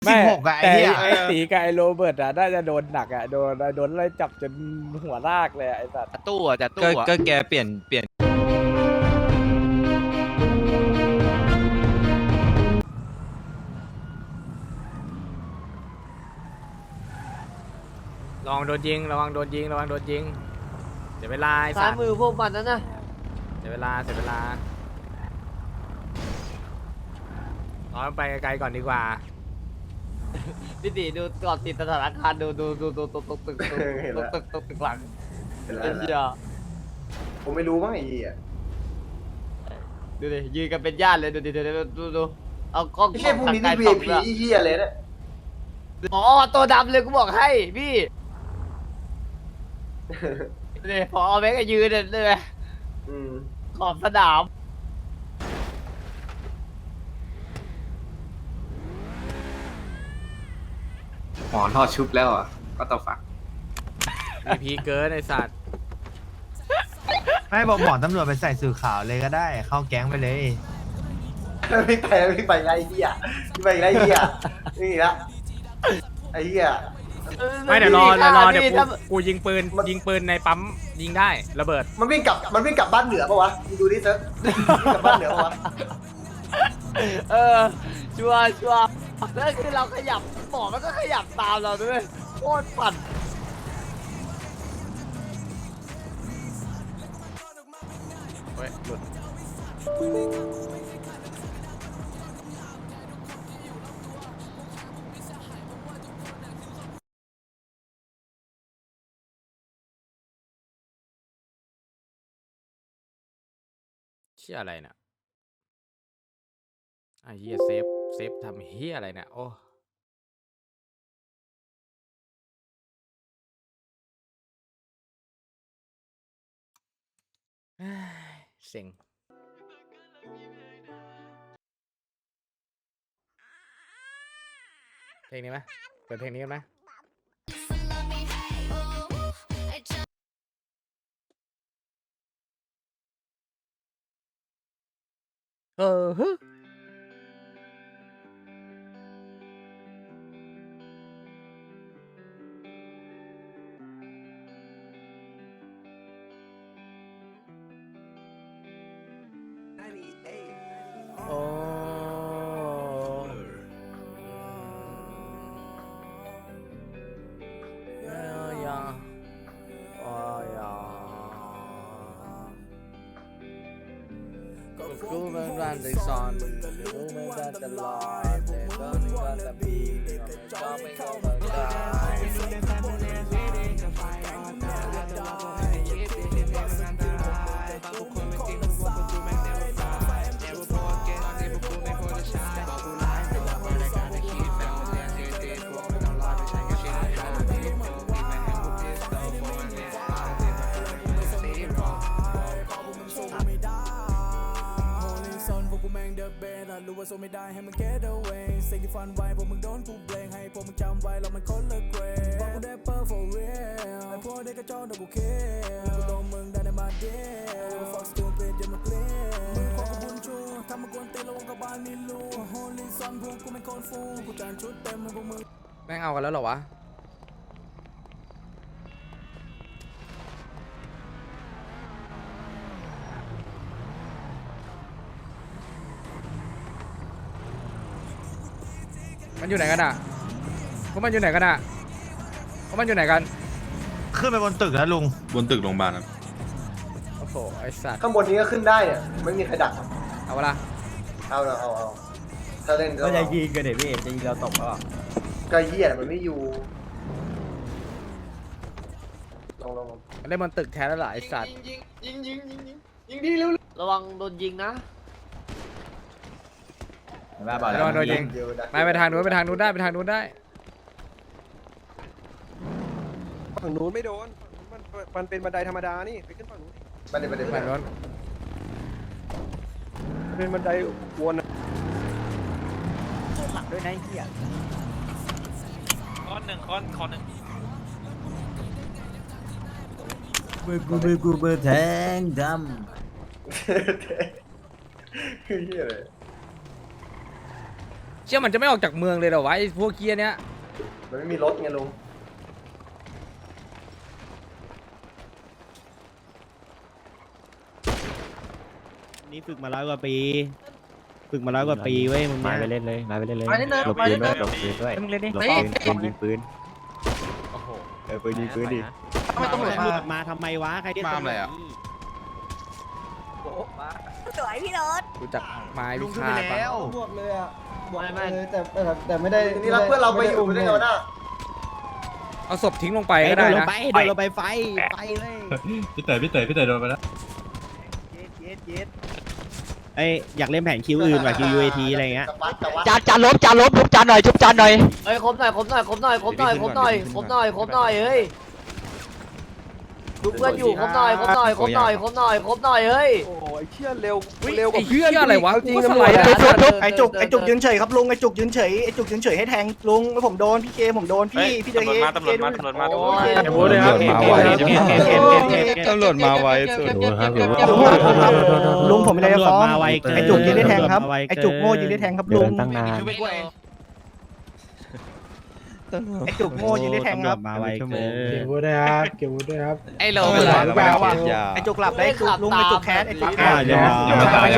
ไม่ 16อะไอ้แต่เหี้ยไอ้ตีกับไอ้โรเบิร์ตอะน่าจะโดนหนักอะโดนไล่จับจนหัวลากเลยอะไอ้สัตว์ตู้อ่ะจะตู้อ่ะก็แกเปลี่ยนลองโดนยิงระวังโดนยิงระวังโดนยิงเสียเวลาไอ้ซ้าสัยตว์มือพวกมันนั่นนะเสียเวลาถอยไปไกลๆก่อนดีกว่าพี่ตีดูก่อนติดสถานการณ์ดูตึกหลังเป็นไรไอ้นะเหี้ยผมไม่รู้มั้งไอ้เหี้ยดูดิยืนกันเป็นญาติเลยดูเอากล้องไม่ใช่พวกนี้นี่ส่อง VIP ด้วยเหี้ยเลยนะอ๋อตัวดำเลยกูบอกให้พี่ดูดิพอแม็กก็ยืนเลยอืมขอบสนามหมอทอดชุบแล้วอ่ะ ก็ต้องฝักมีพีเกินไอ้สัตว์ไม่บอกหมอตำรวจไปใส่สื่อข่าวเลยก็ได้ เข้าแก๊งไปเลยไม่ไปไงไอ้เหี้ยไม่ไปไงไอ้เหี้ยนี่ละไอ้เหี้ยไม่เดี๋ยวรอเดี๋ยวพี่ถ้ากูยิงปืนในปั๊มยิงได้ระเบิดมันวิ่งกลับบ้านเหนือปะวะมึงดูดิเซิร์ฟวิ่งกลับบ้านเหนือปะวะเออชัวร์แล้วคือเราขยับหมอมันก็ขยับตามเราด้วยโคตรปั่นเฮ้ยหลุดเชี่ยอะไรเนี่ยไอ้เหี้ยเซฟทำเหี้ยอะไรเนี่ยโอ้เฮ้ยเซ็งเพลงนี้ไหมเปิดเพลงนี้กันไหมฮึโอ้ยาโอ้ยากูเป็นรันได้ซอนกูไม่ได้ตลอดแต่ก็ไม่ว่าจะมีก็ไม่เข้ามาได้รู้ว่าโซไม่ได้ให้มึง get away สิ่งที่ฝันไว้พวกมึงโดนกูเบลงให้พวกมึงจำไว้เรามันคนละเกรดบอกกูได้เปอร์ for real ไอ้พวกเด็กกระจอกเดี๋ยวกูเคกูลงมึงได้ในมาเดียว fuck stupid อย่ามาเกลียดมึงขอกูบุญชูทำมากวนเตะระวังกับบ้านมีรู holy son พวกกูเป็นคนฟูกูจานชุดเต็มให้พวกมึงแม่งเอากันแล้วเหรอวะมันอยู่ไหนกันอ่ะพวกมันอยู่ไหนกันอ่ะพวกมันอยู่ไหนกันขึ้นไปบนตึกแล้วลุงบนตึกโรงพยาบาลครับโอ้โหไอสัตว์ข้างบนนี้ก็ขึ้นได้เนี่ยไม่มีใครดักเอาเวลาเอาถ้าเล่นก็ก็จะยิงกันเดี๋ยวพี่จะยิงเราตกก็ก็เหี้ยมันไม่อยู่ลองมันได้มันตึกแทนแล้วล่ะไอสัตว์ยิงดีเร็วระวังโดนยิงนะแม่บอกแล้ระววังโดนยิงเดี๋ยวดักไปทางนู้นไปทางนู้นได้ไปทางนู้นได้ฝั่งนู้นไม่โดนมันเป็นบันไดธรรมดานี่ ไปขึ้นฝั่งนู้นมันเดี๋ยวฝั่งนู้นมันเป็นบันไดวนอะหลักด้วยนะไอ้เหี้ยค้อนหนึ่งมือแทงดคือเหี้ยเลยชื่อมันจะไม่ออกจากเมืองเลยเหรอวะไอ้พวกเกียร์เนี้ยมันไม่มีรถไงลุงนี่ฝึกมา100 กว่าปีเว้ยมึงมาไปเล่นเลยมาไปเล่นเลยมาเล่นเลยหลบมาปืเล่นนด้เลวยยหลบปืนด้วยมึงเล่นดิหลบปืนยิงปืนโอ้โหปืนยิงปืนดิทำไมตำรวจมาทำไมวะใครที่มาอะไรอ่ะสวยพี่รถรู้จักไม้ลุพิงขึ้นฆาไปตปะแล้วบวกเลยอ่ะบวกไม่เลยแต่ไม่ได้นี่รักเพื่อนเราไปอยู่ได้ไงวะน่ะเอาศพทิ้งลงไปไปก็โดได้นลงนะไปโดนลงไปไฟเลยพี่เต๋อโดนไปแล้วเอ้ยอยากเล่นแผนคิวอื่นว่ะคิว UAT อะไรเงี้ยจานลบทุบจานหน่อยทุบจานหน่อยเฮ้ยครบหน่อยเฮ้ยทุบเพื่อนอยู่ครบหน่อยเฮ้ยโอ้ยเชี่ยเร็วอุ๊ยเร็วกไอ้ว่าเหี้ยอะไรวะจริงกูก็ตำสรวไลจด์นะไอ้จุกยืนเฉยครับลุงไอ้จุกยืนเฉยให้แทงลุงผมโดนพี่เคผมโดนพี่เดย์ตำรวจมาตำรวจมาตำรวจมาไวสุดลุงผมไม่ได้ฟ้องมาไวไอ้จุกยืนได้แทงครับไอ้จุกโง่ยืนได้แทงครับเดิลุงนตั้งนานไอ้จุกโง่ยืนได้แทงครับมาไวเกินไอ้โลไม่ไหวหรือเปล่าไอ้จุกหลับได้จุกลุงไอ้จุกแคสไอ้จุกแคสยังไม่ตาย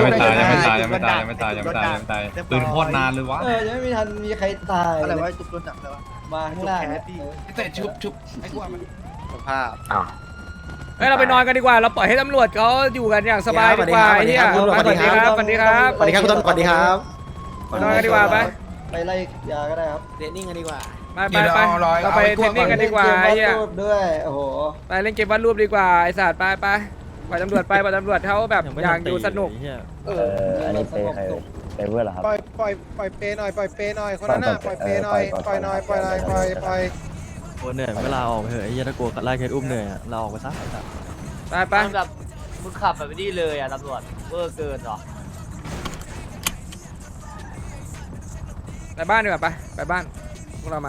ปืนโคตรนานเลยวะยังไม่มีทันมีใครตายอะไรวะจุกโดนจับเลยวะมาข้างล่างแต่ชุบไอ้กวนมันสภาพเฮ้ยเราไปนอนกันดีกว่าเราปล่อยให้ตำรวจเขาอยู่กันอย่างสบายดีกว่าไอ้เหี้ยสวัสดีครับสวัสดีครับสวัสดีครับคุณตำรวจสวัสดีครับนอนกันดีกว่าไปไปไล่ยาก็ได้ครับเดนนิ่งกันดีกว่าไปเราไปเทรนนิ่งกันดีกว่าไอ้เหี้ยล่นกมวาดรูปด้วยโอ้โหไปเล่นเกมวาดรูปดีกว่าไอ้สัตว์ไปปล่อยตำรวจเขาแบบอยากดูสนุกอันนี้เปย์ใครเปย์เพื่อนเหรอครับปล่อยเปย์หน่อยคนนั้นน่ะปล่อยเปย์หน่อยปล่อยเหนื่อยเวลาออกไปเถอะไอ้ยันตะโกนไล่เคสอุ้มเหนื่อยเราออกไปซะไปแบบมึงขับแบบนี้เลยอ่ะตำรวจเวอร์เกินหรอไปบ้านดีกว่าไปบ้านพวกเรามา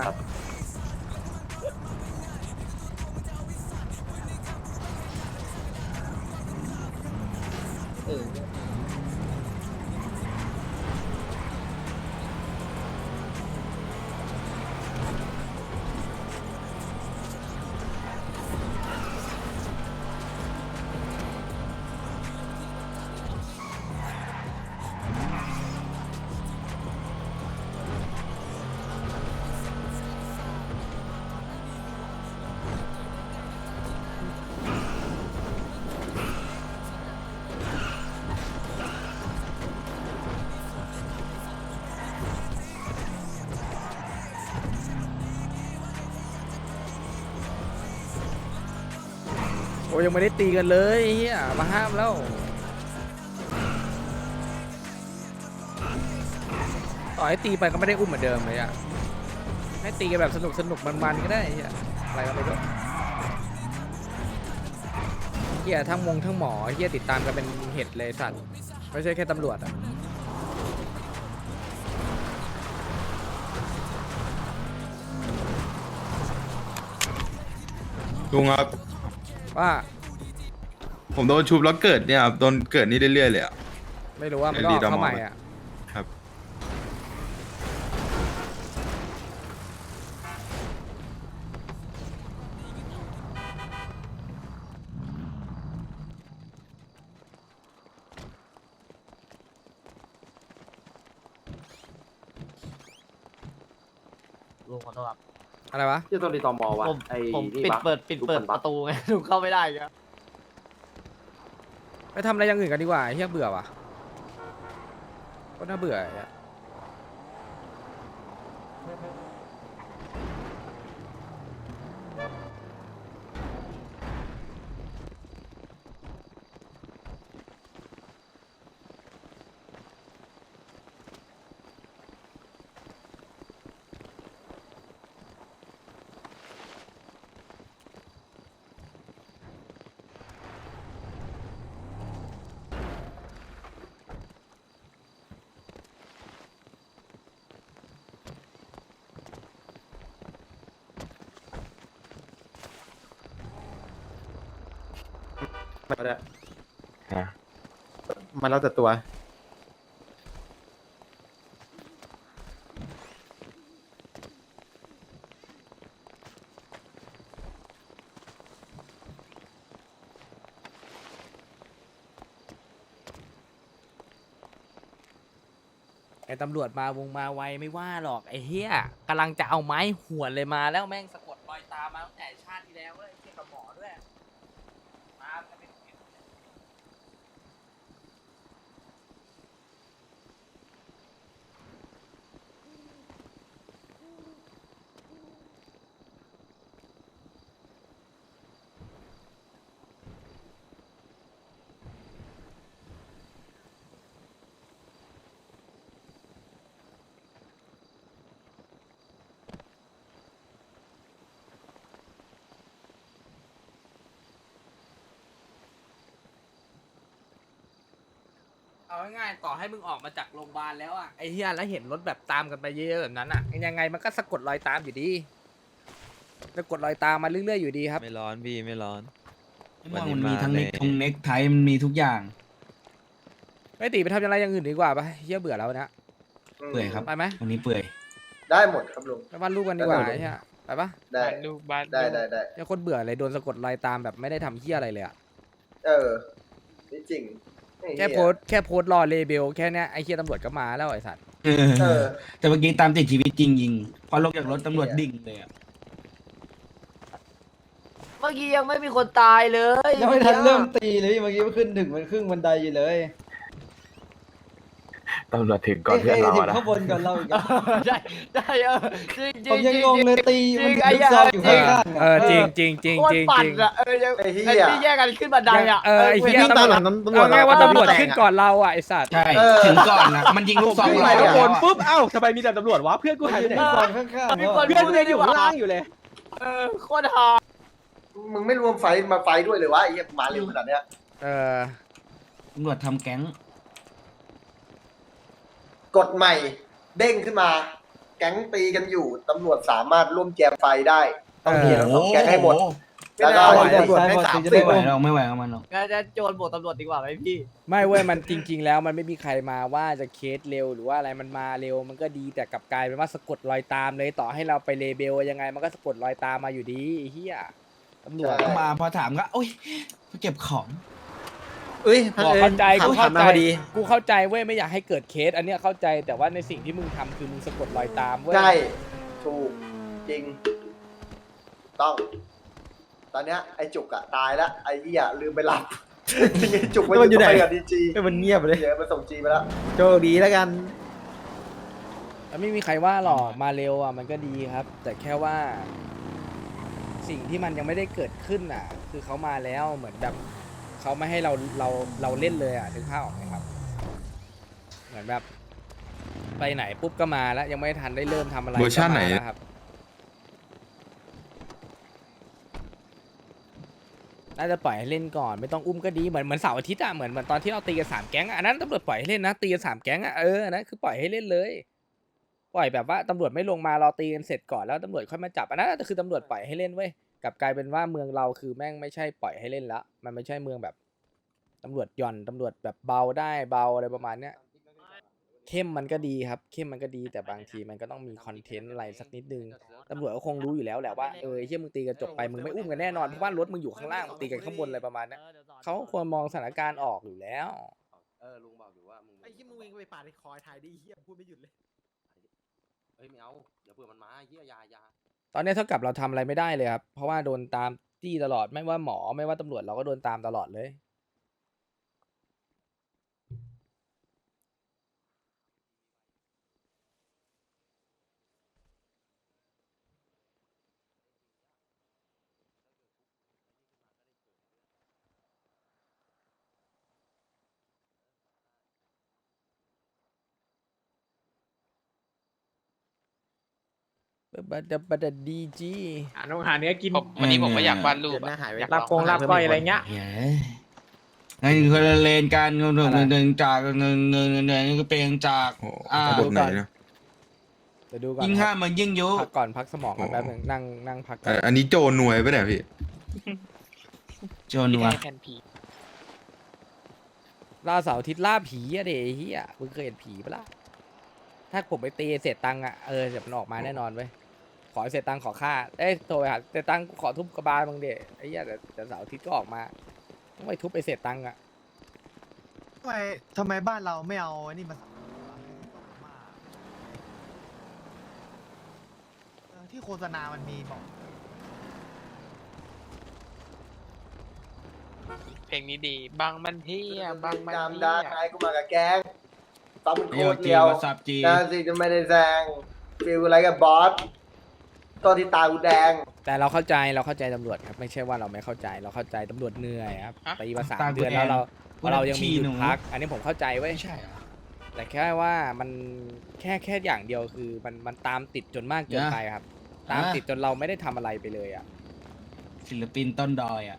โอ้ยังไม่ได้ตีกันเลยเฮียมาห้ามแล้วต่อให้ตีไปก็ไม่ได้อุ้มเหมือนเดิมเลยอ่ะให้ตีกันแบบสนุกมันก็ได้เฮียอะไรก็ไม่รู้เฮียทั้งหมอเฮียติดตามกันเป็นเห็ดเลยสัตว์ไม่ใช่แค่ตำรวจอ่ะลุงครับว่าผมโดนชุบแล้วเกิดเนี่ยครับโดนเกิดนี่เรื่อยๆเลยอ่ะไม่รู้ว่ามันก็ออกเข้าใหม่อ่ะครับลุงขอโทษครับอะไรวะที่ต้องรีตอมอวะผมปิดเปิดประตูไงลุงเข้าไม่ได้ครับไปทำอะไรอย่างอื่นกันดีกว่าเฮียเบื่อว่ะก็น่าเบื่ออ่ะมันแล้วแต่ตัวไอ้ตำรวจมาวงมาไวไม่ว่าหรอกไอ้เหี้ยกำลังจะเอาไม้หวนเลยมาแล้วแม่งสะกดรอยตามมาตั้งแต่ชาติที่แล้วเลยเทียบกับหมอด้วยมากันเป็น เอาง่ายๆต่อให้มึงออกมาจากโรงพยาบาลแล้วอ่ะไอ้เหี้ยแล้วเห็นรถแบบตามกันไปเยอะๆแบบนั้นอ่ะยังไงมันก็สะกดรอยตามอยู่ดีสะกดรอยตามมาเรื่อยๆอยู่ดีครับไม่ร้อนพี่ไม่ร้อนมันมีทั้งเน็กไทมันมีทุกอย่างไม่ตีไปทำอะไรอย่างอื่นดีกว่าปะเหี้ยเบื่อแล้วนะเปื่อยครับไปไหมวันนี้เปื่อยได้หมดครับลุงไปวาดรูปกันดีกว่าไอ้เหี้ยไปปะได้ลูกบ้านได้เนี่ยคนเบื่อเลยโดนสะกดรอยตามแบบไม่ได้ทำเหี้ยอะไรเลยอ่ะเออนี่จริงไอ้เหี้ยแค่โพสต์รอเลเบลแค่เนี้ยไอ้เหี้ยตำรวจก็มาแล้วไอ้สัตว์เออแต่เมื่อกี้ตามติดชีวิตจริงยิงพอลงจากรถตำรวจดิ่งเลยอ่ะเมื่อกี้ยังไม่มีคนตายเลยยังไม่ทันเริ่มตีเลยเมื่อกี้มันขึ้นถึงมันครึ่งบันไดอยู่เลยตำรวจถึงก่อนเพื่อนเราถึงอะนะข้างบนก่อนเราอีกได้จริงผมยังงงเลยตีจริมันงถึไอ้งเหี้ยซอกอยู่ข้างล่างเออจริงจริงจริงโคตจรริงปั่จนริงอะไอ้เหี้ยที่แยกกันขึ้นบันไดอ่ะไอ้เหี้ยวิ่งตามหลังตำรวจเอาง่ายว่าตำรวจขึ้นก่อนเราอ่ะไอ้สัตว์ใช่ถึงก่อนนะมันยิงลูกซองขึ้นไปข้างบนปุ๊บเอ้าทำไมมีแต่ตำรวจวะเพื่อนกูหายไปไหนก่อนข้างๆมีแล้วคนเพื่อนกูยังอยู่ข้างล่างอยู่เลยโคตรฮามึงไม่รวมไฟมาไฟด้วยเลยวะไอ้เหี้ยมาเร็วขนาดเนี้ยตำรวจทำแก๊งกฎใหม่เด้งขึ้นมา แก๊งตีกันอยู่ตำรวจสามารถร่วมแจมไฟได้ต้องมีทั้งสองแก๊งให้หมดแล้วก็ตำตำรรววจจได้ได้ 30 30 ไม่ไหวเราไม่ไหวกับมันหรอกก็จะโจรบวกตำรวจดีกว่าไหมพี่ไม่เว้ยมันจริง ๆ แล้วมันไม่มีใครมาว่าจะเคสเร็วหรือว่าอะไรมันมาเร็วมันก็ดีแต่กลับกลายเป็นว่าสะกดรอยตามเลยต่อให้เราไปเลเบลยังไงมันก็สะกดรอยตามมาอยู่ดีไอ้เหี้ยตำรวจก็มาพอถามก็โอ๊ยเก็บของบอกเข้าใจกูเข้าใจกูเข้าใจเว้ยไม่อยากให้เกิดเคสอันเนี้ยเข้าใจแต่ว่าในสิ่งที่มึงทำคือมึงสะกดรอยตามเว้ยใช่ถูกจริงต้อง ตอนเนี้ยไอ้จุกอะตายแล้วไอ้เหี้ยลืมไปหลับจริงไอ้จุกมันอยู่ไหนกับดีจีมันเงียบเลยเดี๋ยวมันส่งจีไปแล้วโชคดีแล้วกันแล้วไม่มีใครว่าหรอกมาเร็วอ่ะมันก็ดีครับ แต่แค่ว่า สิ่งที่มันยังไม่ได้เกิดขึ้นอ่ะ คือเขามาแล้วเหมือนแบบเขาไม่ให้เราเล่นเลยอ่ะถึงภาพออกไหมครับ เหมือนแบบ ไปไหนปุ๊บก็มาแล้วยังไม่ทันได้เริ่มทำอะไรเวอร์ชันไหนก็มาแล้วครับน่าจะปล่อยให้เล่นก่อนไม่ต้องอุ้มก็ดีเหมือนเสาร์อาทิตย์อ่ะเหมือนตอนที่เราตีกัน3 แก๊งอ่ะอันนั้นตำรวจปล่อยให้เล่นนะตีกัน3 แก๊งอ่ะอันนั้นคือปล่อยให้เล่นเลย ปล่อยแบบว่าตำรวจไม่ลงมารอตีกันเสร็จก่อนแล้วตำรวจค่อยมาจับอันนั้นคือตำรวจปล่อยให้เล่นเว้ยกลับกลายเป็นว่าเมืองเราคือแม่งไม่ใช่ปล่อยให้เล่นแล้วมันไม่ใช่เมืองแบบตำรวจหย่อนตำรวจแบบเบาได้เบาอะไรประมาณเนี้ยเข้มมันก็ดีครับเข้มมันก็ดีแต่บางทีมันก็ต้องมีคอนเทนต์อะไรสักนิดนึงตำรวจก็คงรู้อยู่แล้วแหละว่าไอ้เหี้ยมึงตีกันจบไปมึงไม่อุ้มกันแน่นอนเพราะว่ารถมึงอยู่ข้างล่างมึงตีกันข้างบนอะไรประมาณเนี้ยเขาควรมองสถานการณ์ออกอยู่แล้วลุงบอกอยู่ว่ามึงไอ้ที่มึงวิ่งไปปาดคอยถ่ายดิเฮียพูดไม่หยุดเลยเฮ้ยไม่เอาเดี๋ยวเผื่อมันมาเฮียยาตอนนี้เท่ากับเราทำอะไรไม่ได้เลยครับเพราะว่าโดนตามจี้ตลอดไม่ว่าหมอไม่ว่าตำรวจเราก็โดนตามตลอดเลยบัดดีจีน้องหาเนื้อกินวันนี้ผมก็อยากวาดรูปอยากลาบกงลาบก้อยอะไรเงี้ยนั่นคือคนละเลนกันเงินจากเงินก็เป็นจากระบบไหนนะเดี๋ยวดูก่อนยิ่งห้ามมันยิ่งยุพักก่อนพักสมองกันแป๊บนึงนั่งพักก่อนอันนี้โจรหน่วยปะเนี่ยพี่โจนัวล่าเสาร์อาทิตย์ล่าผีอะเดเฮียมึงเคยเห็นผีปะล่ะถ้าผมไปตีเสร็จตังค์อะเดี๋ยวมันออกมาแน่นอนเว้ยขอเสร็จตังค์ขอค่าโทรไปหาเสร็จตังค์ขอทุบกระบาลมึงเดไอ้เหี้ยแต่เสาร์อาทิตย์ก็ออกมาต้องไปทุบไปเสร็จตังค์อะทำไมบ้านเราไม่เอานี่มาที่โฆษณามันมีบอกเพลงนี้ดีบางมันเฮียบางมันจำเฮีได้ยไงกูมากับแก๊งฟังมึงโคโยตรจีเดียววาซาบจีนาสิจะไม่ได้แซงฟิลอะไรกับบอสตัวที่ตากูแดงแต่เราเข้าใจตำรวจครับไม่ใช่ว่าเราไม่เข้าใจเราเข้าใจตำรวจเหนื่อยครับตีมา3 เดือนแล้วเรายังมีหยุดพัก อันนี้ผมเข้าใจเว้ยไม่ใช่เหรอแต่แค่ว่ามันแค่อย่างเดียวคือมันตามติดจนมากเกินไปครับ ตามติดจนเราไม่ได้ทำอะไรไปเลยอ่ะศิลปินต้นดอยอ่ะ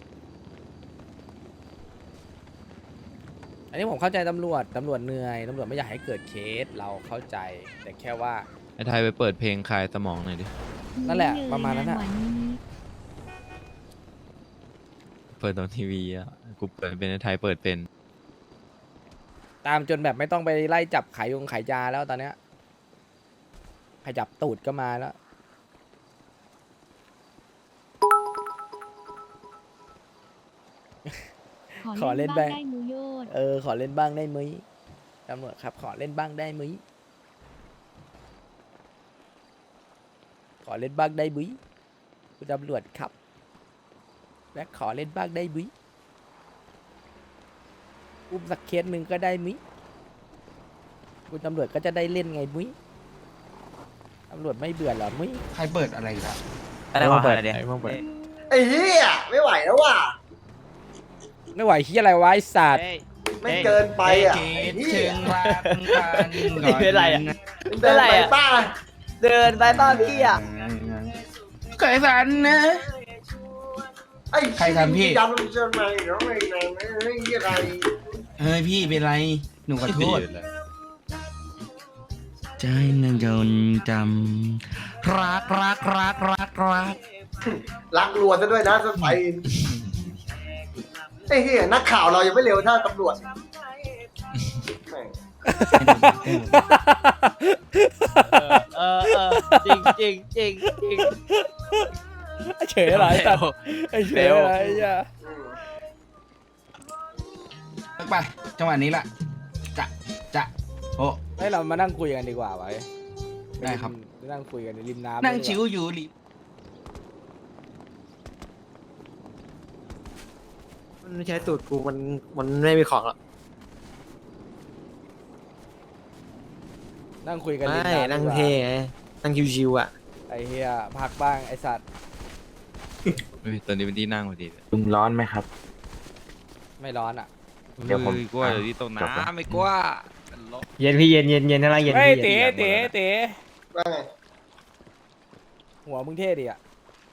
อันนี้ผมเข้าใจตำรวจเหนื่อยตำรวจไม่อยากให้เกิดเคสเราเข้าใจ แต่แค่ว่าไอ้ไทยไปเปิดเพลงคลายสมองหน่อยดินั่นแหละประมาณนั้นอะเปิดตอนทีวีอ่ะ กูเปิดเป็นไอ้ไทยเปิดเป็นตามจนแบบไม่ต้องไปไล่จับขายยาแล้วตอนเนี้ยขยับตูดก็มาแล้ว ขอเล่นบ้างได้มือโยดขอเล่นบ้างได้มั้ยตำรวจครับขอเล่นบ้างได้มั้ยขอเล่นบ้างได้มั้ยคุณตำรวจครับและขอเล่นบ้างได้มั้ยอุ้มสักเคสหนึ่งก็ได้มั้ยคุณตำรวจก็จะได้เล่นไงมั้ยตำรวจไม่เบื่อหรอมั้ยใครเปิดอะไรล่ะอะไรวะอะไรเดี๋ยวไอ้เหี้ยไม่ไหวแล้วว่ะไม่ไหวที่อะไรวะไอ้สัตว์ไม่เกินไปอ่ะเกไอ้ตเหี้เชิยงรักกันก่อนเป็นไรอะเดินไปป้าเดินไปป้าพี่อ่ะเคยฝันนะไอ้ใครทำพี่จำจะมาอีกแล้วไอ้นายไม่เหี้ยอะไรเฮ้ยพี่เป็นไร หนูขอโทษ ใจนึงจนจำรักรักรัวซะด้วยนะสไปไอ้เหี้ยนักข่าวเรายังไม่เร็วเท่าตำรวจแม่งจริงจริงจริงจริงไอ้เฉยอะไรสัตว์ไอ้เฉยอะไรอ่ะไปจังหวะนี้ละจะโอ้ให้เรามานั่งคุยกันดีกว่าไว้ได้ครับนั่งคุยกันในริมน้ำนั่งดีกว่าชิวอยู่ริมมันไม่ใช่สูตรกูมันไม่มีของหรอกนั่งคุยกันริมไม่น้ำนั่งดีกว่าเท่ไงนั่งชิวๆอ่ะไอ้เฮียพักบ้างไอ้สัตว์เฮ้ยตอนนี้เป็นที่นั่งพอดีลุงร้อนไหมครับไม่ร้อนอ่ะเดี๋ยวผมกลัวเดี๋ยวที่ตรงน้ำไม่กลัวเย็นพี่เย็นข้างล่างเย็นเฮ้ยพี่เต๋ว่าไงหัวมึงเท่ดีอ่ะ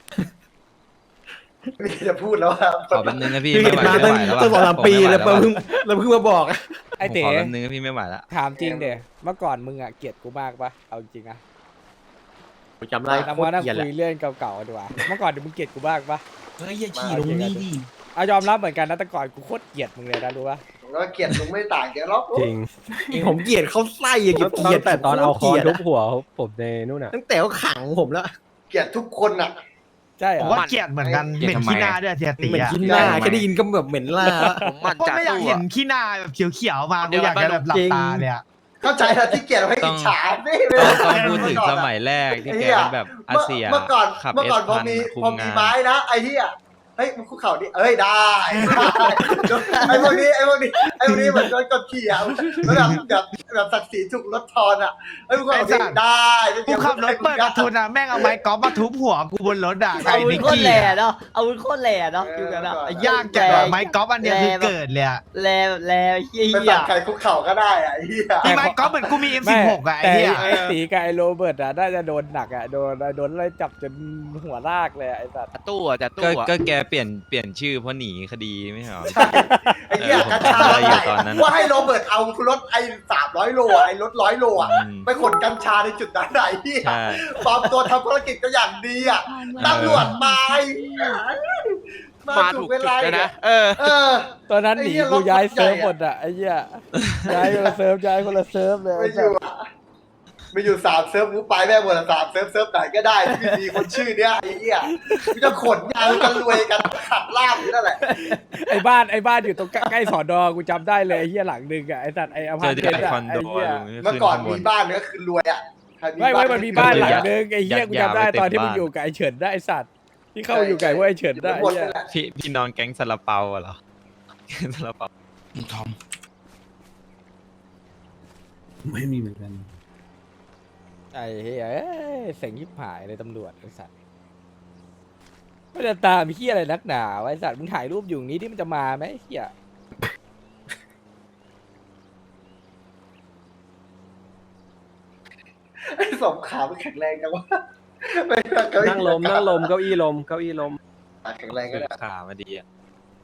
ไม่จะพูดแล้วว่าขอแป๊บนึงนะพี่พี่ไม่เห็นไหวมาไม่ตั้งไหวแล้วตั้ง2-3 ปีแล้วเพิ่งมาบอกไอ้ผมเต๋ขอแป๊บนึงนะพี่ไม่ไหวแล้วถามจริงเด๋เมื่อก่อนมึงอ่ะเกลียดกูมากปะเอาจริงอ่ะจำได้เราโคมาตรนั่งเกลียดแหคุละยเรื่องเก่าๆดีกว่าเมื่อก่อนมึงเกลียดกูมากปะเฮ้ยอย่าขี่ลงนี่ดิเอายอมรับเหมือนกันนะแต่ก่อนกูโคตรเกลียดมึงเลยนะรู้ปะผมก็เกลียดลุงไม่ต่างกันหรอกจริงผมเกลียดเขาไส้อย่างเงี้ยตั้งแต่ตอนเอาคอนทุบทุบหัวผมในนู่นน่ะตั้งแต่เขาขังผมแล้วเกลียดทุกคนอ่ะใช่เหรผมอว่าเกลียดเหมือนกันเหม็นขี้หน้าด้วยเสียตีเหม็นอ่ะขี้หน้าแค่ได้ยินก็แบบเหม็นล่าผมมันก็จัดไม่อยากตู้เห็นอะขี้หน้าแบบเขียวๆมากูอยากจะแบบหลับตาเลยอ่ะเข้าใจนะที่เกลียดให้อิจฉาไม่ต้องพูดถึงสมัยแรกที่แกเป็นแบบอาเซียเมื่อก่อนขับเมื่อเอก่อสนพอพันมีคุมพอมีงานไม้นะไอ้เหี้ยเฮ้ยมึงคุกเข่าดิเอ้ยได้ ไอ้พวกนี้เหมือนโดนกดขี่อ่ะแล้วแบบศักดิ์ศรีถูกลดทอนอ่ะเฮ้ยมึงคุกเข่าดิได้กูขับรถเปิดประทุนอ่ะแม่งเอาไม้กอล์ฟมาทุบหัวกูบนรถอ่ะไอ้อาวุธนิกโคตรกี้แหล่อะเนาะอาวุธโคตรแหล่เนาะอยู่กันอะยากจังอะไม้กอล์ฟอันเนี้ยคือเกิดเลยอ่ะแหล่แหล่เฮีไปยสั่งใครคุกเข่าก็ได้อ่ะไอ้เหี้ยมีไม้กอล์ฟเหมือนกูมี M16 อ่ะไอ้แต่เหี้ยไอ้ตีกับไอ้โรเบิร์ตอ่ะน่าจะโดนหนักอ่ะโดนไล่จับจนหัวลากเลยอะไอ้สัตว์จัดตู้อะจัดก็ตู้อะก็แกเปลี่ยนชื่อเพราะหนีคดีไม่ใช่เหรอไอ้เหี้ยผมกระชาจำได้อยู่ตอนนั้นว่าให้โรเบิร์ตเอารถไอ้300 โลอ่ะไอ้รถ100 โลอ่ะอืมไปขนกัญชาในจุดนั้นไหนที่ใช่ปลอมตัวทำธุรกิจก็อย่างดีอ่ะตำรวจมามาถูถูกกเวจุดลาเลยนะนะเออเออตอนนั้นหนีไอ้เหี้ยกูย้ายรถใหญ่เซิร์ฟอะหมดอ่ะไอ้เหี้ยย้ายคนละเซิร์ฟย้ายคนละเซิร์ฟเลยไม่อยู่อะไม่อยู่3 เซิร์ฟกูไปแม่งหมดละ3 เซิร์ฟไหนก็ได้ที่มีคนชื่อเนี้ยไอ้เหี้ยกูจะขนยางกันรวยกันขับลาบอยู่นั่นแหละไอ้บ้านอยู่ตรงใกล้สอนอกูจำได้เลยไอ้เหี้ยหลังหนึงอ่ะไอ้สัตว์ไอ้อพาร์ตเมนต์อ่ะไอ้เหี้ยเมื่อก่อนมีบ้านก็คือรวยอ่ะไม่มันมีบ้านหลังนึงไอ้เหี้ยกูจำได้ตอนที่มึงอยู่กับไอ้เฉินได้ไอ้สัตว์ที่เข้าอยู่กับไอ้เฉินได้หมดเหี้ยนั่นแหละพี่นอนแก๊งซาลาเปาเหรอแก๊งซาลาเปาทอมไม่มีเหมือนกันไอ้เหี้ยเอ้ยเสียงยิบหายเลยตำรวจไอ้สัตว์ไม่ได้ตามเหี้ยอะไรนักหนาวะไอ้สัตว์มึงถ่ายรูปอยู่นี้ที่มันจะมาไหมไอ้เหี้ยไอ้สมขามันแข็งแรงจังวะนั่งลมเก้าอี้ลมแข็งแรงก็ได้ขามาดีอ่ะ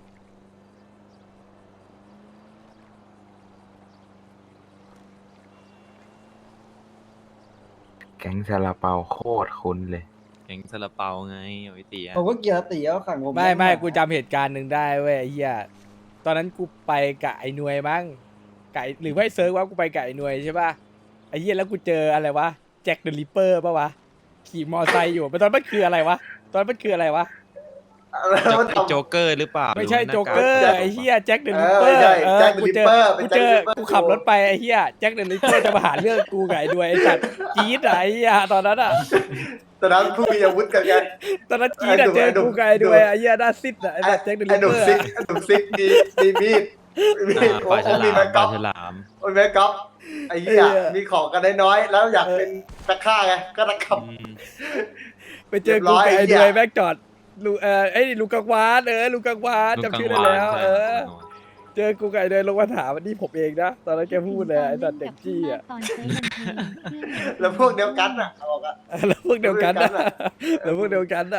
แก๊งซาลาเปาโคตรคุ้นเลยแก๊งซาลาเปาไงเอาไว้ตีอ่ะผมก็เกียร์ตีเอาขังผมไม่กูจำเหตุการณ์หนึ่งได้เว้ยไอ้เหี้ยตอนนั้นกูไปกับไอ้หน่วยมั้งกับหรือว่าไอ้เซิร์ฟว่ากูไปกับไอ้หน่วยใช่ป่ะไอ้เหี้ยแล้วกูเจออะไรวะแจ็คเดอะริปเปอร์ป่ะวะขี่มอไซค์อยู่ตอนมันคืออะไรวะตอนมันคืออะไรวะโจ๊กเกอร์หรือเปล่าไม่ใช่โจ๊กเกอร์ไอ้เหี้ยแจ็คเดอะริปเปอร์กูขับรถไปไอ้เหี้ยแจ็คเดอะริปเปอร์จะมาหาเรื่องกูกับไอ้หน่วยไอ้สัตว์จี๊ดอะไอ้เหี้ยตอนนั้นอะตอนนั้นผู้มีอาวุธกันไงตอนนั้นจี๊ดอะเจอกูกับไอ้หน่วยไอ้เหี้ยหน้าซิดอะไอ้สัตว์แจ็คเดอะริไอ้ปหนุ่เปมอร์ซิกไอ้หนุ่มซิกมีมีดโอ้ปลาฉมีลามแม็กปก๊ลาอฟฉลามโอ้ยแม็กก๊อฟไอ้เหี้ยมีของกันน้อยๆแล้วอยากเป็นตะฆ่าไงก็ตะขับไปเจอกูกับไอ้หน่วยแม็กจอดลูไอ้ลูกกังวานลูกกังวานจำชื่อได้แล้วเจอกูกับไอ้หน่วยลงมาถามวันนี้ผมเองนะตอนนั้นแกพูดเลยไอ้สัตว์เด็กจี้อะแล้วพวกเดียวกันอ่ะเอาบอกอ่ะแล้วพวกเดียวกันอะแล้วพวกเดียวกันอะ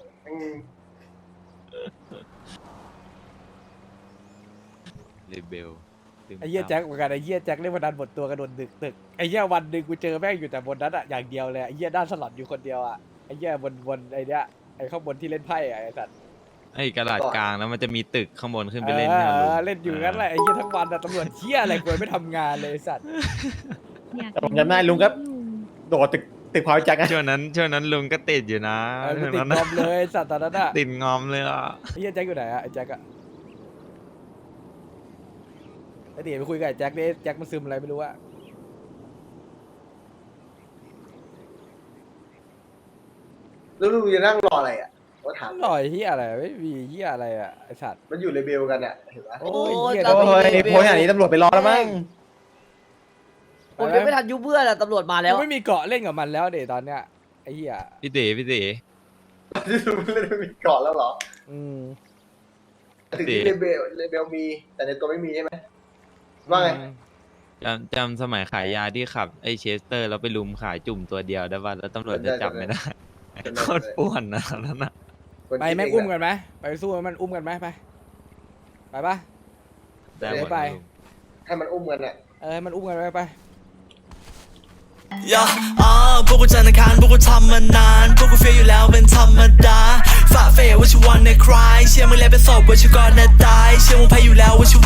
เรเบลไอ้เหี้ยแจ็คเหมือนกันไอ้เหี้ยแจ็คเล่นวันนั้นหมดตัวกระโดดตึกไอ้เหี้ยวันหนึ่งกูเจอแม่งอยู่แต่บนนั้นอะอย่างเดียวเลยไอ้เหี้ยด้านสลัดอยู่คนเดียวอะไอ้เหี้ยบนไอ้เนี้ยไอ้ข้างบนที่เล่นไพ่อะไอ้สัตว์ไอ้กระดาษกลางแล้วมันจะมีตึกข้างบนขึ้นไปเล่นเนี่ยเล่นอยู่งั้นแหละไอ้เหี้ยทั้งวันอะตำรวจเหี้ยอะไรกูไม่ทำงานเลยไอ้สัตว์ผมจำได้ลุงก็โดดตึกพาวจักรช่วงนั้นลุงก็ติดอยู่นะกูติดงอมเลยไอ้สัตว์ตอนนั้นอะติดงอมเลยอ่ะไอ้เหี้ยแจ็คอยู่ไหนอะไอ้แจ็คอะไอ้เดี๋ยวไปคุยกับไอ้แจ็คดิแจ็คมันซึมอะไรไม่รู้อะแล้วลุงจะนั่งรออะไรอ่ะก็ถามหน่อยเหี้ยอะไรไม่มีเหี้ยอะไรอะไอ้สัตว์มันอยู่เลเบลกันอ่ะเห็นปะโอ้ยเหี้ยโอ้ยโพสอย่างนี้ตำรวจไปรอแล้วมั้งผมยังไม่ทันยุบเพื่อนอะตำรวจมาแล้วกูไม่มีเกาะเล่นกับมันแล้วเดี๋ยวตอนเนี้ยไอ้เหี้ยพี่ตีเล่นมีเกาะแล้วเหรอ ถึงที่เลเบลมีแต่ในตัวไม่มีใช่ไหมว่าไงจำสมัยขายยาที่ขับไอ้เชสเตอร์แล้วไปลุมขายจุ่มตัวเดียวได้ป่ะแล้วตำรวจจะจับไม่ได้โคตรป่วนนะนั่นน่ะไปแม่งอุ้มกันไหมไปสู้มันอุ้มกันไหมไปปะได้หมดไปให้มันอุ้มกันอ่ะให้มันอุ้มกันไปย่าพวกกูจันทร์อังคารพวกกูทำมานานพวกกูเฟียอยู่แล้วเป็นธรรมดาฝ่าเฟยว่าชิวันในคลายเชื่อมึงแล้วเป็นศพว่าชิวก่อนนะตายเชื่อมึงแพ้อยู่แล้วว่าชิ